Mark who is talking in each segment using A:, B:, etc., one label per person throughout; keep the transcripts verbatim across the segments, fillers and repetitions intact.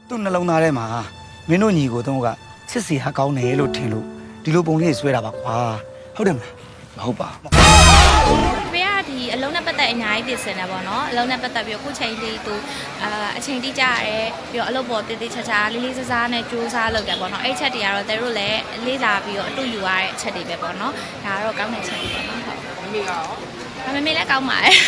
A: သူ့နှလုံးသားထဲမှာမင်းတို့ညီကိုတော့ကချစ်စီဟာကောင်းတယ်လို့ထင်လို့ဒီလိုပုံလေးဆွဲတာပါကွာဟုတ်တယ်မလားမဟုတ်ပါ
B: ဖေကဒီအလုံးနဲ့ပတ်သက်အများကြီးပြင်ဆင်တယ်ပေါ့နော်အလုံးနဲ့ပတ်သက်ပြီးခုချိန်လေးသူအာအချိန်တိကျရဲပြီးတော့အလုပ်ပေါ်တည်တည်ချာချာလေးလေးစားစားနဲ့ကြိုးစားလုပ်တယ်ပေါ့နော်အဲ့ချက်တွေကတော့သူတို့လည်းလေးစားပြီးတော့အတူယူရတဲ့အချက်တွေပဲပေါ့နော်ဒါကတော့ကောင်းတဲ့ချက်တွေပေါ့နော်ဟုတ်မမေကရောမမေလည်းကောင်းပါတယ်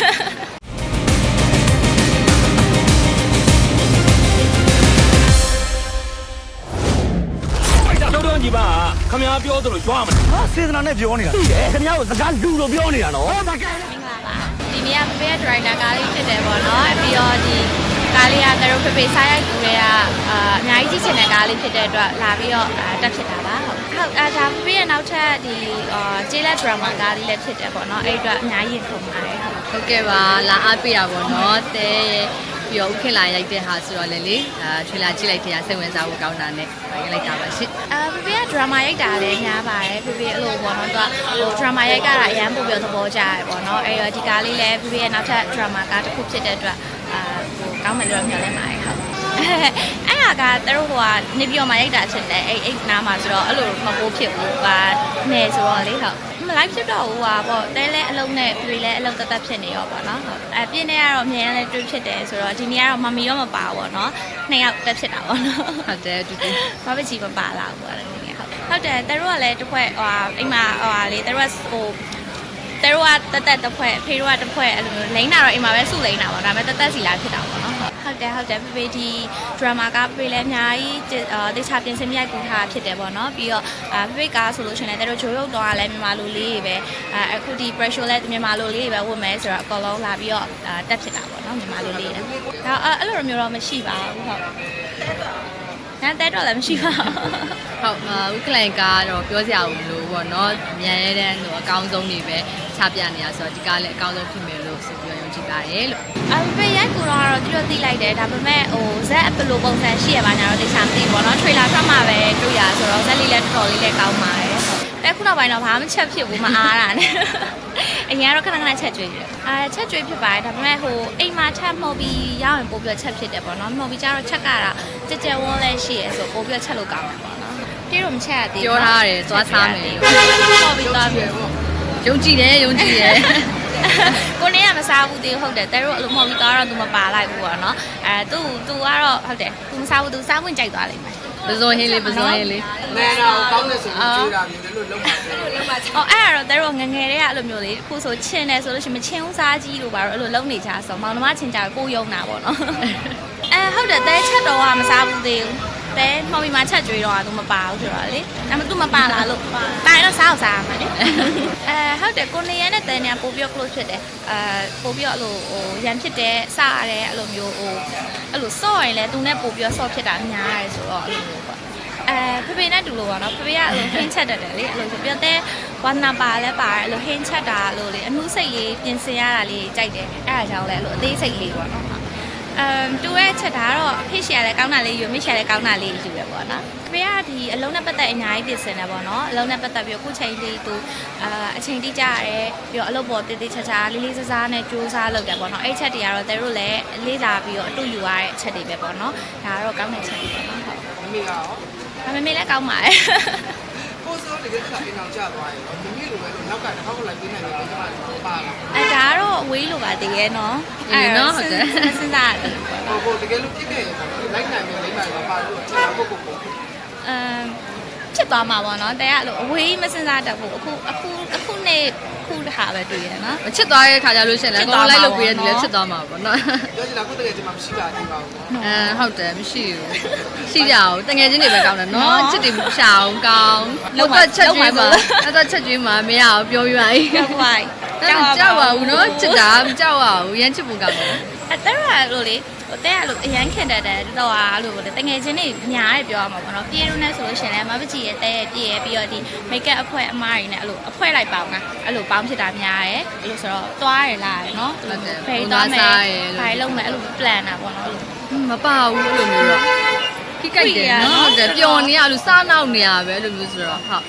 C: တော့တော့ညီပါခမ ्या ပြောသလိုကြွားမလား
A: ဟာစေတနာနဲ့ပြောနေတာခင်ဗျားကိုစကားလူလိုပြောနေတာနော်ဟုတ်ပါကဲ
B: မင်္ဂလာပါဒီနေ့ကဖေဖေဒရိုက်တာကားလေးဖြစ်တယ်ပေါ့နော်ပြီးတော့ဒီကားလေးကသူတို့ဖေဖေစားရိုက်ကူတွေကအာအများကြီးကြည့်ချင်တဲ့ကားလေးဖြစ်တဲ့အတွက်လာပြီးတော့တက်ဖြစ်တာပါဟုတ်ဟုတ်အဲဒါဖေဖေရဲ့နောက်ထပ်ဒီအာကျေးလက်ဒရမာကားလေးလည်းဖြစ်တယ်ပေါ့နော်အဲ့အတွက်အများကြီးခုံပါတယ်
D: ဟုတ်ကဲ့ပါလာအားပေးတာပေါ့နော်တဲပြီးတော့ခင်လာရိုက်တဲ့ဟာဆိုတော့လေလေအာထွေလာကြည့်လိုက်တဲ့စိတ်ဝင်စားဖို့ကောင်းတာနဲ့ရိုက်လိုက်တာပါရှင့်
B: အာဖေဖေကဒရမာရိုက်တာလည်းများပါတယ်ဖေဖေအဲ့လိုပေါ့နော်သူကဟိုဒရမာရိုက်ကြတာအရန်ပို့ပြီးသဘောကျတယ်ပေါ့နော်အဲ့တော့ဒီကားလေးလည်းဖေဖေရဲ့နောက်ထပ်ဒရမာကားတစ်ခုဖြစ်တဲ့အတွက်အာဟိုကောင်းမယ်လို့မျှော်လင့်ပါတယ်ဟုတ်အဲ့ဟာကသူတို့ကနေပြောမှရိုက်တာဖြစ်တယ်အဲ့အဲ့နားမှာဆိုတော့အဲ့လိုမပိုးဖြစ်ဘူးကနေဆိုတော့လေဟုတ်မလိုက်ဖြစ်တော့ဘူးဟာပေါ့တဲလဲအလုံးနဲ့ပြေလဲအလုံးတသက်ဖြစ်နေရောပေါ့နော်ဟုတ်အပြင်းနဲ့ကတော့အမြဲတမ်းတွေ့ဖြစ်တယ်ဆိုတော့ဒီနေ့ကတော့မမီရောမပါဘူးပေါ့နော်နှစ်ယောက်တက်ဖြစ်တာပေါ့နော်
D: ဟုတ်တယ်တူတူ
B: ဘာပဲချီမပါလာဘူးပေါ့လေဟုတ်ဟုတ်တယ်တဲတို့ကလည်းတစ်ခွက်ဟိုအိမ်မှာဟိုဟာလေတဲတို့ကဟိုတဲတို့ကတက်တက်တစ်ခွက်ဖေတို့ကတစ်ခွက်အဲ့လိုမျိုးလိမ့်တာတော့အိမ်မှာပဲစုလိမ့်တာပေါ့ဒါပေမဲ့တက်တက်စီလာဖြစ်တာပေါ့နော်ဟုတ်တယ်ဟုတ်တယ်ဖေဖေဒီဒရမာကဖေလည်းအများကြီးတေချာပြင်ဆင်မြိုက်ကူထားဖြစ်တယ်ပေါ့နော်ပြီးတော့ဖေဖေကားဆိုလို့ရှိရင်လည်းတဲတို့ဂျိုးရုပ်တော့လည်းမြန်မာလူလေးတွေပဲအခုဒီ pressure လည်းမြန်မာလူလေးတွေပဲဝတ်မယ်ဆိုတော့အကောင်လုံးလာပြီးတော့တက်ဖြစ်တာပေါ့နော်မြန်မာလူလေးတွေဒါအဲ့လိုမျိုးတော့မရှိပါဘူးဟုတ်နားတက်တော့လည်းမရှိပါဘူး
D: ဟုတ်ဥက္ကလန်ကတော့ပြောစရာမလိုပေါ့နော်မြန်ရဲတဲ့ဟိုအကောင်းဆုံးတွေပဲချပြနေရဆိုတော့ဒီကားလည်းအကောင်းဆုံးဖြစ်မယ်လို့ဆိုပြီးယုံကြည်ပါတယ်လို့
B: အဖေရိုက်ကူတော့တော့တိတော့သိလိုက်တယ်ဒါပေမဲ့ဟိုဇက်အပလိုပုံစံရှိရပါညာတော့တခြားမသိဘူးပေါ့နော်ထရေလာထွက်မှပဲတွေ့ရဆိုတော့ဇက်လေးလည်းတော်တော်လေးလည်းကောင်းပါတယ်တဲ့ခုနောက်ပိုင်းတော့ဘာမှချက်ဖြစ်ဘူးမအားတာနဲ့အရင်ကတော့ခဏခဏချက်ကျွေးတယ်အဲချက်ကျွေးဖြစ်ပါတယ်ဒါပေမဲ့ဟိုအိမ်မှာချက်မှုတ်ပြီးရအောင်ပို့ပြီးချက်ဖြစ်တယ်ပေါ့နော်မှုတ်ပြီးကျတော့ချက်ကတော့ကြက်ကြက်ဝန်းလဲရှိရဆိုပို့ပြီးချက်လို့ကောင်းတယ်ပေါ့နော်ပြေတော့မချက်ရသေးဘူး
D: ပြောထားတယ်သွားစားမယ်
B: လို့ပေါ့ပြီးသွားပြီ
D: ယုံကြည်တယ်ယုံကြည်တယ်
B: ကိုနေကမစားဘူးတေးဟုတ်တယ်တဲတို့အလိုမဟုတ်ပြီးသွားတော့သူမပါလိုက်ဘူးပေါ့နော်အဲသူသူကတော့ဟုတ်တယ်သူမစားဘူးသူစားဝင်ကြိုက်သွားလိမ့်မယ်
D: ပဇွန်ဟင်းလေးပဇွန်ဟင်းလေး
E: နဲတော့ကောင်းတယ်ဆိုရင်ကျွေးတာမျိုးလည်းလုံးပါစေ
B: လုံးပါအော်အဲ့ဒါတော့တဲတို့ငငယ်တွေကအဲ့လိုမျိုးလေးခုဆိုချင်းတယ်ဆိုလို့ရှိရင်မချင်းဦးစားကြီးလို့ပါတော့အဲ့လိုလုံးနေကြဆိုမောင်နှမချင်းကြကိုယုံတာပေါ့နော်အဲဟုတ်တယ်တဲချက်တော့ကမစားဘူးသေးဘူးတဲမောင်မီမှာချက်ကြွေးတော့သူမပါဘူးဆိုတော့လေဒါမှသူမပါလာလို့တာရင်တော့စားအောင်စားရမှာလေအဲဟုတ်တယ်ကိုနေရနဲ့တဲနေပို့ပြီး close ဖြစ်တယ်အဲပို့ပြီးတော့အဲ့လိုဟိုရန်ဖြစ်တယ်စားရတယ်အဲ့လိုမျိုးဟိုအဲ့လိုစော့ရင်လည်းသူနဲ့ပို့ပြီးတော့စော့ဖြစ်တာများရတယ်ဆိုတော့အဲ့လိုမျိုးပေါ့အဲဖေဖေနဲ့တူလို့ပေါ့နော်ဖေဖေကအဲ့လိုဟင်းချက်တတ်တယ်လေအဲ့လိုပြောတဲ့ဝါနာပါလဲပါတယ်အဲ့လိုဟင်းချက်တာလို့လေအမှုစိတ်လေးပြင်ဆင်ရတာလေးကြိုက်တယ်အဲ့ဒါကြောင့်လဲအဲ့လိုအသေးစိတ်လေးပေါ့နော်အမ်တူရဲ့ချက်တာတော့ဖိရှယ်လည်းကောင်းတာလေးယူမိရှယ်လည်းကောင်းတာလေးယူရပေါ့နော်။ဖေကဒီအလုံးနဲ့ပတ်သက်အများကြီးပြင်ဆင်တယ်ပေါ့နော်။အလုံးနဲ့ပတ်သက်ပြီးခုချိန်လေးသူအာအချိန်တိကျရဲပြီးတော့အလုပ်ပေါ်တည်တည်ချာချာလေးလေးစားစားနဲ့ကြိုးစားလုပ်တယ်ပေါ့နော်။အဲ့ချက်တွေကတော့သူတို့လည်းလေးစားပြီးတော့အတူယူရတဲ့အချက်တွေပဲပေါ့နော်။ဒါကတော့ကောင်းတဲ့ချက်တွေပေါ့နော်။ဟုတ်
E: ။မမေကရော
B: မမေလည်းကောင်းပါတယ်။
E: ကိုစိုးတကယ်ခါအိမ်အောင်ကြသွားရင်မမေလိုပဲလို့နောက်ကတစ်ခါခုလိုက်ပြနေတယ်ကျွန်မပါလာ
B: အဲဒါကတော့အဝေးလိုပါတကယ်နော်
D: အဲနော်ဟုတ်တယ်
B: စဉ်းစားရတယ်
E: ဟိုဟိုတကယ်လို့ပြစ်ခဲ့ရင်လိုက်နိုင်မယ်လိမ့်နိုင်မှာပါလို့ကျွန်တော်ကိုကို
B: အမ်ဖြစ်သွားမှာပေါ့နော်တဲကလို့အဝေးမစဉ်းစားတတ်ဘူးအခုအခုအခုနေ့ခုတခါပဲတွေ့ရနော်
D: မချစ်သွားတဲ့ခါကျလို့ရှိရင်လည်းကိုလိုက်လုပ်ပေးတဲ့ဒီလည်းချစ်သွားမှာပေါ့နော်
E: ပြောချင်တာကိုတကယ်ဒီမှာမရှိပါသေးပါဘူး
D: နော်အဲဟုတ်တယ်မရှိဘူးရှိကြအောင်တငယ်ချင်းတွေပဲကောင်းတယ်နော်ချစ်တွေမရှာအောင်ကောင်းလောက်တော့ချက်ကျွေးမှာအဲ့တော့ချက်ကျွေးမှာမရအောင်ပြောပြပါဦး
B: ပြောပါ
D: ကြောက်ပါဘူးနော်ချစ်တာမကြောက်ပါဘူးရမ်းချစ်ဖို့ကောင်းတယ်
B: အဲ့တဲရလို့လေဟိုတဲရလို့အရန်ခင်တတ်တယ်တော့ဟာလို့တငယ်ချင်းတွေများရပြောရမှာပေါ့နော်ပြေရုံနဲ့ဆိုလို့ရှိရင်လည်းမပကြီးရဲ့တဲရပြည့်ရပြီးတော့ဒီ make up အဖွဲအမားတွေနဲ့အဲ့လိုအဖွဲလိုက်ပေါင်းတာအဲ့လိုပေါင်းဖြစ်တာများတယ်အဲ့လိုဆိုတော့သွားရလာရယ်နော်ဖေးသွားမယ်ဖိုင်လုံးမယ်အဲ့လို plan တာပေါ့နော်အဲ့လို
D: မပါဘူးအဲ့လိုမျိုးတော့ခိကိုက်တယ်နော်ဟုတ်တယ်ပျော်နေရလို့စားနောက်နေရပဲအဲ့လိုမျိုးဆိုတော့ဟုတ်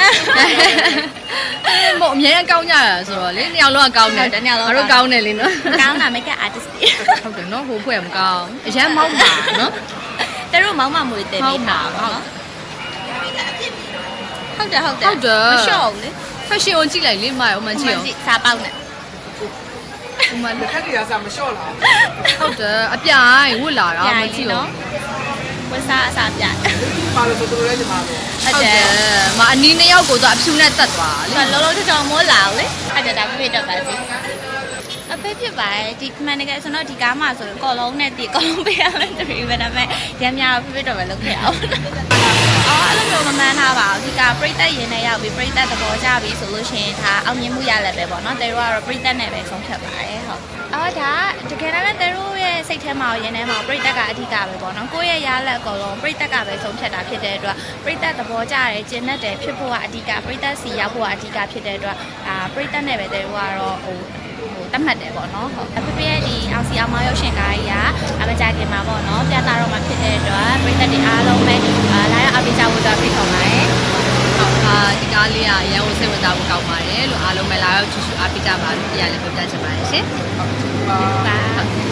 D: အဲ့မို့အများကြီးကောင်းကြရဆိုတော့လေနှစ်ယောက်လုံးကကောင်းတယ်
B: တစ်ယောက်လုံး
D: ငါတို့ကောင်းတယ်လေနော်
B: ကောင်းတာ make up artist
D: ဟုတ်တယ်နော်ဟိုဖွဲ့မကောင်းအရန်မောက်ပါနော်
B: သူတို့တို့မောင်းမမွေတင်ပေးထားပါတော့ဟုတ်တယ်ဟုတ်တယ်
D: ဟုတ်တယ်
B: မလျှော့ဘူးလေ
D: fashion ကိုကြည့်လိုက်လေမရအောင်မကြည့်အောင်
B: စားပေါက်နဲ့
D: ဟိုမှာ
E: ခက်ကြီးကစားမလျှော့လား
D: ဟုတ်တယ်အပြိုင်ဝတ်လာတာမကြည့်အောင်
B: ဝစားအစားပြ
E: ပါလို့ဆိုသူတို့လည်းဒီမှာပဲ
B: ဟုတ်တယ်
D: မအနီးနှစ်ယောက်ကိုတော့အဖြူနဲ့တက်သွားလေ
B: လောလောချောင်းမိုးလာလေအဲ့ဒါဒါပြည့်တော့ပါစီအဖေဖြစ်ပါတယ်ဒီမှန်တကယ်ဆိုတော့ဒီကားမှာဆိုရင်ကော်လုံးနဲ့တီကော်လုံးပေးရမယ်တူပဲဒါပေမဲ့ရမ်းများတော့ပြည့်တော့ပဲလုပ်ခဲ့အောင်အော်အဲ့လိုမျိုးမမှန်းထားပါဘူးဒီကပြိတက်ရင်နဲ့ရောက်ပြီးပြိတက်သဘောကျပြီဆိုလို့ရှိရင်ဒါအောင်မြင်မှုရလည်းပဲပေါ့နော်တဲတို့ကတော့ပြိတက်နဲ့ပဲဆုံးဖြတ်ပါတယ်ဟုတ်အော်ဒါတကယ်တမ်းတဲတို့ရဲ့စိတ်ထဲမှာရင်ထဲမှာပြိတက်ကအဓိကပဲပေါ့နော်ကိုယ့်ရဲ့ရလက်အကုန်လုံးပြိတက်ကပဲဆုံးဖြတ်တာဖြစ်တဲ့အတွက်ပြိတက်သဘောကျတယ်ကျင်တတ်တယ်ဖြစ်ဖို့ကအဓိကပြိတက်စီရောက်ဖို့ကအဓိကဖြစ်တဲ့အတွက်အာပြိတက်နဲ့ပဲတဲတို့ကတော့ဟိုဟိုတတ်မှတ်တယ်ပေါ့နော်ဟုတ်အဖေဖေရဲ့ဒီအောင်စီအောင်မရုပ်ရှင်ကားကြီးကအမကြခင်မှာပေါ့နော်ပြသတော့မှဖြစ်တဲ့အတွက်ပြိတက်တွေအားလုံးပဲအာလာရောက်အပိချဝတ်တော်ဖိတ်ခေါ်ပါတယ်
D: ဟုတ်အာဒီကားလေးကရန်ကိုစိတ်ဝင်စားဖို့ကောင်းပါတယ်လို့အားလုံးပဲလာရောက်ကြည့်ရှုအားပေးကြပါလို့ပြရလဲပြောပြချင်ပါတယ်ရှင်
B: ပါ